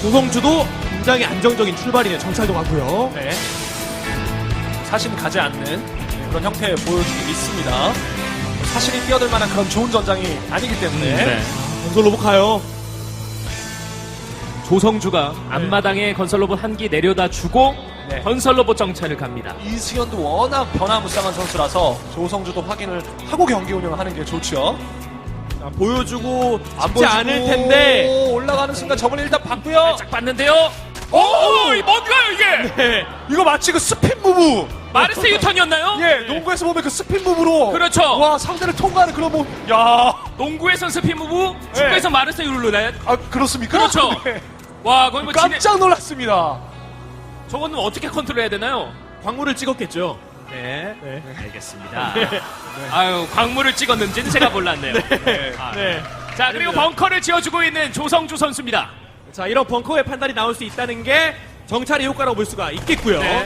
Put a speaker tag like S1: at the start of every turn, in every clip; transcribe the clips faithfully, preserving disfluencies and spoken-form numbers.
S1: 조성주도 굉장히 안정적인 출발이네요. 정찰도 가고요.
S2: 네. 사심 가지 않는 그런 형태 보여주기 있습니다. 사실이 뛰어들 만한 그런 좋은 전장이 아니기 때문에.
S3: 네.
S1: 건설 로봇 가요.
S3: 조성주가 앞마당에 건설 로봇 한 기 내려다 주고
S2: 네.
S3: 건설 로봇 정찰을 갑니다.
S2: 이승현도 워낙 변화무쌍한 선수라서 조성주도 확인을 하고 경기 운영을 하는 게 좋죠.
S1: 자, 보여주고
S2: 안
S1: 쉽지
S2: 보여주고
S1: 않을 텐데.
S2: 올라가는 순간 저번에 일단 봤고요.
S3: 살짝 봤는데요. 오, 이 뭔가요 이게?
S1: 네.
S2: 이거 마치 그 스핀 무브.
S3: 마르세 유턴이었나요?
S2: 예, 농구에서 보면 그 스핀 무브로.
S3: 그렇죠.
S2: 와, 상대를 통과하는 그런 뭐. 야,
S3: 농구에선 스피 무브, 축구에서 마르세 유르네.
S2: 아 그렇습니까?
S3: 그렇죠.
S2: 네.
S3: 와, 거의 뭐 진해...
S2: 깜짝 놀랐습니다.
S3: 저거는 어떻게 컨트롤해야 되나요?
S1: 광물을 찍었겠죠.
S3: 네,
S1: 네.
S3: 알겠습니다. 아유, 광물을 찍었는지는 제가 몰랐네요.
S2: 네.
S3: 아,
S1: 네.
S3: 자, 그리고
S1: 아닙니다.
S3: 벙커를 지어주고 있는 조성주 선수입니다.
S1: 자, 이런 벙커의 판단이 나올 수 있다는 게 정찰의 효과라고 볼 수가 있겠고요.
S3: 네.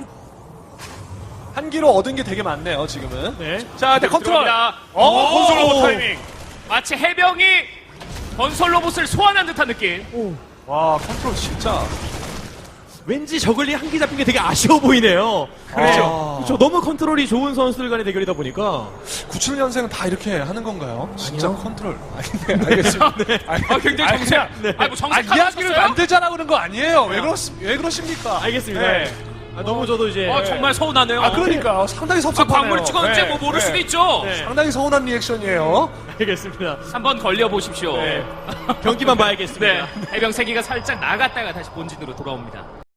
S2: 한 기로 얻은 게 되게 많네요, 지금은.
S1: 네.
S2: 자, 근데 컨트롤.
S3: 들어옵니다.
S2: 어,
S3: 오!
S2: 건설 로봇 타이밍.
S3: 마치 해병이 건설 로봇을 소환한 듯한 느낌.
S2: 와, 컨트롤 진짜.
S1: 왠지 저글리 한 기 잡힌 게 되게 아쉬워 보이네요.
S2: 그렇죠.
S1: 그렇죠. 너무 컨트롤이 좋은 선수들 간의 대결이다 보니까.
S2: 구십칠 년생은 다 이렇게 하는 건가요? 진짜 컨트롤. 아니, 네, 알겠습니다. 네.
S3: 아, 굉장히 정색. 아니, 뭐
S2: 아,
S3: 정색하고
S2: 이야기를
S3: 있었어요?
S2: 만들자라고 그러는 거 아니에요. 왜, 그렇, 왜 그러십니까?
S1: 알겠습니다.
S2: 네.
S1: 아, 너무 저도 이제.
S3: 어, 정말 서운하네요.
S2: 아, 그러니까. 상당히
S3: 아,
S2: 섭섭하네요.
S3: 광물을 찍었는지
S2: 네,
S3: 뭐 모를
S2: 네.
S3: 수도 있죠.
S1: 네.
S2: 상당히 서운한 리액션이에요.
S1: 알겠습니다.
S3: 한번 걸려보십시오.
S1: 네. 경기만 봐야겠습니다.
S3: 네. 해병 세기가 살짝 나갔다가 다시 본진으로 돌아옵니다.